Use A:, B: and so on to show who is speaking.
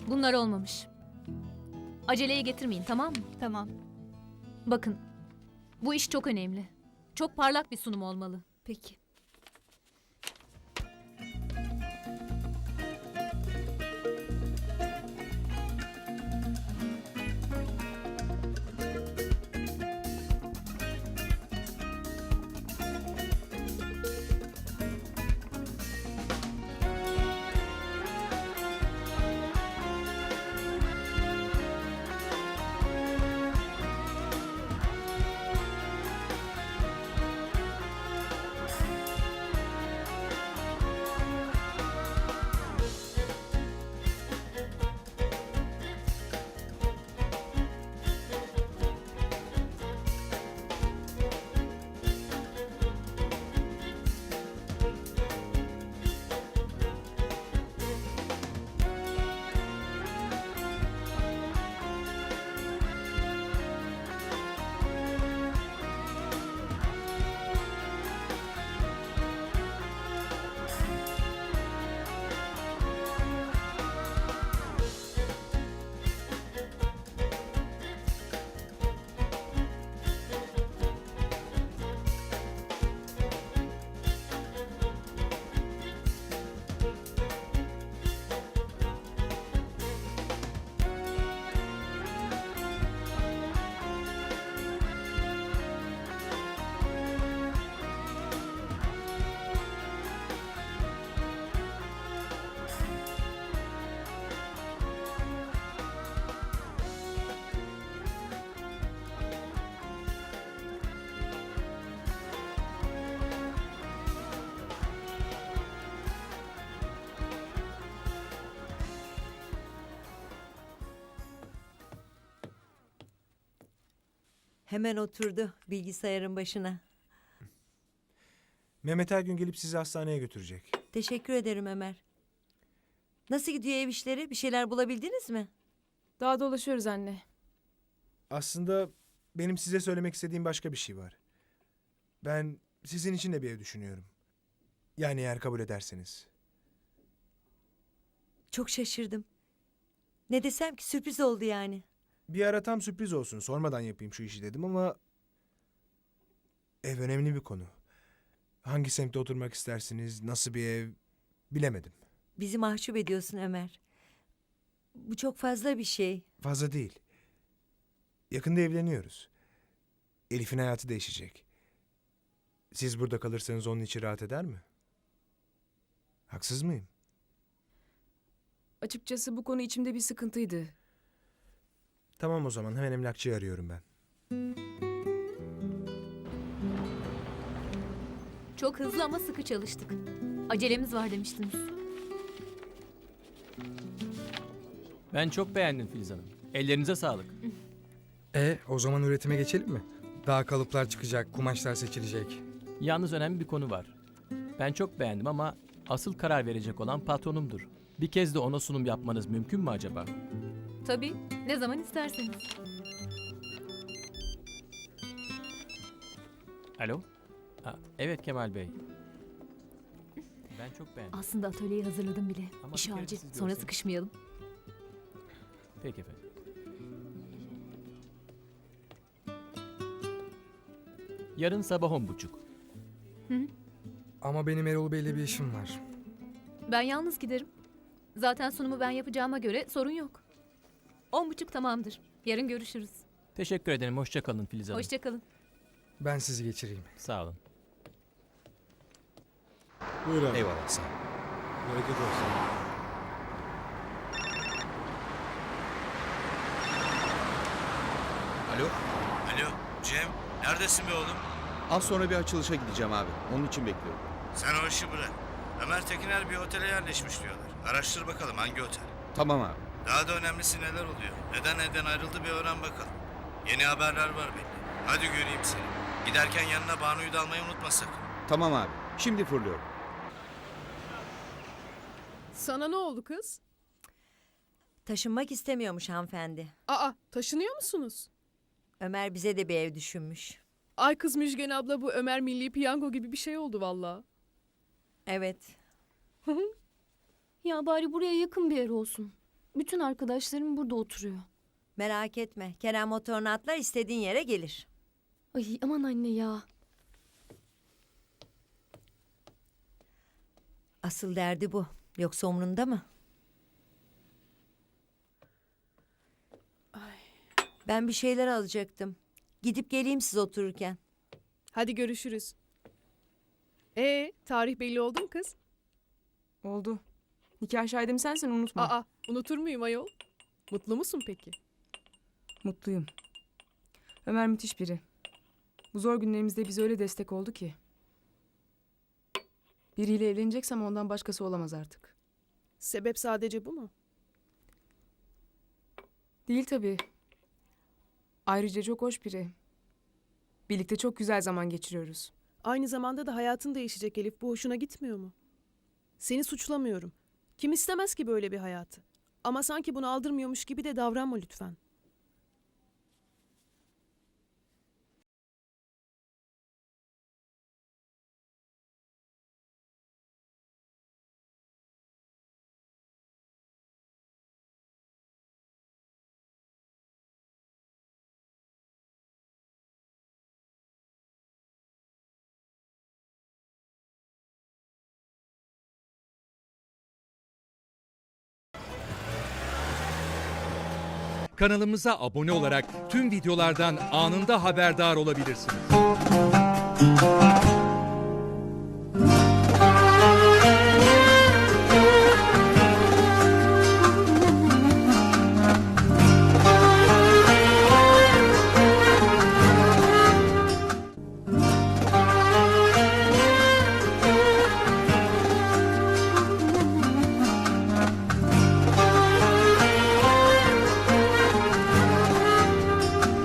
A: Bunlar olmamış. Aceleye getirmeyin, tamam mı?
B: Tamam.
A: Bakın, bu iş çok önemli. Çok parlak bir sunum olmalı.
B: Peki.
C: Hemen oturdu bilgisayarın başına.
D: Mehmet her gün gelip sizi hastaneye götürecek.
C: Teşekkür ederim Ömer. Nasıl gidiyor ev işleri? Bir şeyler bulabildiniz mi?
E: Daha dolaşıyoruz anne.
D: Aslında benim size söylemek istediğim başka bir şey var. Ben sizin için de bir ev düşünüyorum. Yani eğer kabul ederseniz.
C: Çok şaşırdım. Ne desem ki sürpriz oldu yani.
D: Bir ara tam sürpriz olsun, sormadan yapayım şu işi dedim ama... Ev önemli bir konu. Hangi semtte oturmak istersiniz, nasıl bir ev bilemedim.
C: Bizi mahcup ediyorsun Ömer. Bu çok fazla bir şey.
D: Fazla değil. Yakında evleniyoruz. Elif'in hayatı değişecek. Siz burada kalırsanız onun içi rahat eder mi? Haksız mıyım?
E: Açıkçası bu konu içimde bir sıkıntıydı.
D: Tamam o zaman hemen emlakçıyı arıyorum ben.
A: Çok hızlı ama sıkı çalıştık. Acelemiz var demiştiniz.
F: Ben çok beğendim Filiz Hanım. Ellerinize sağlık.
G: O zaman üretime geçelim mi? Daha kalıplar çıkacak, kumaşlar seçilecek.
F: Yalnız önemli bir konu var. Ben çok beğendim ama asıl karar verecek olan patronumdur. Bir kez de ona sunum yapmanız mümkün mü acaba?
A: Tabii, ne zaman isterseniz.
F: Alo? Evet Kemal Bey. Ben çok beğendim.
A: Aslında atölyeyi hazırladım bile.
F: Ama
A: İş
F: bir kere
A: acil,
F: siz
A: sonra
F: görseniz.
A: sıkışmayalım.
F: Peki efendim. Yarın sabah 10.30.
G: Ama benim Erol Bey'le bir işim var.
A: Ben yalnız giderim. Zaten sunumu ben yapacağıma göre sorun yok. 10.30 tamamdır. Yarın görüşürüz.
F: Teşekkür ederim. Hoşça kalın Filiz Hanım.
A: Hoşça kalın.
G: Ben sizi geçireyim.
F: Sağ olun.
H: Buyur abi.
F: Eyvallah. Sağ olun.
H: Bereket olsun.
I: Alo,
J: Alo Cem, neredesin be oğlum?
I: az sonra bir açılışa gideceğim abi. Onun için bekliyorum.
J: Sen o işi bırak. Ömer Tekiner bir otele yerleşmiş diyorlar. Araştır bakalım hangi otel.
I: Tamam abi.
J: Daha da önemlisi neler oluyor. Neden evden ayrıldı bir öğren bakalım. Yeni haberler var belli. Hadi göreyim seni. Giderken yanına Banu'yu da almayı unutma sakın.
I: Tamam abi. Şimdi fırlıyorum.
E: Sana ne oldu kız?
C: Taşınmak istemiyormuş hanımefendi.
E: Aa, taşınıyor musunuz?
C: Ömer bize de bir ev düşünmüş.
E: Ay kız Müjgan abla, bu Ömer Milli Piyango gibi bir şey oldu valla.
C: Evet.
A: Ya bari buraya yakın bir yer olsun.
B: Bütün arkadaşlarım burada oturuyor.
C: Merak etme. Kerem motorunu atlar istediğin yere gelir.
B: Ay aman anne ya.
C: Asıl derdi bu. Yoksa umrunda mı? Ben bir şeyler alacaktım. Gidip geleyim siz otururken.
E: Hadi görüşürüz. Tarih belli oldu mu kız?
K: Oldu. Nikah şahidim sensin, unutma.
E: Aa, unutur muyum ayol? Mutlu musun peki?
K: Mutluyum. Ömer müthiş biri. Bu zor günlerimizde bize öyle destek oldu ki. Biriyle evleneceksem ondan başkası olamaz artık.
E: Sebep sadece bu mu?
K: Değil tabii. Ayrıca çok hoş biri. Birlikte çok güzel zaman geçiriyoruz.
E: Aynı zamanda da hayatın değişecek Elif. Bu hoşuna gitmiyor mu? Seni suçlamıyorum. Kim istemez ki böyle bir hayatı? Ama sanki bunu aldırmıyormuş gibi de davranma lütfen.
L: Kanalımıza abone olarak tüm videolardan anında haberdar olabilirsiniz.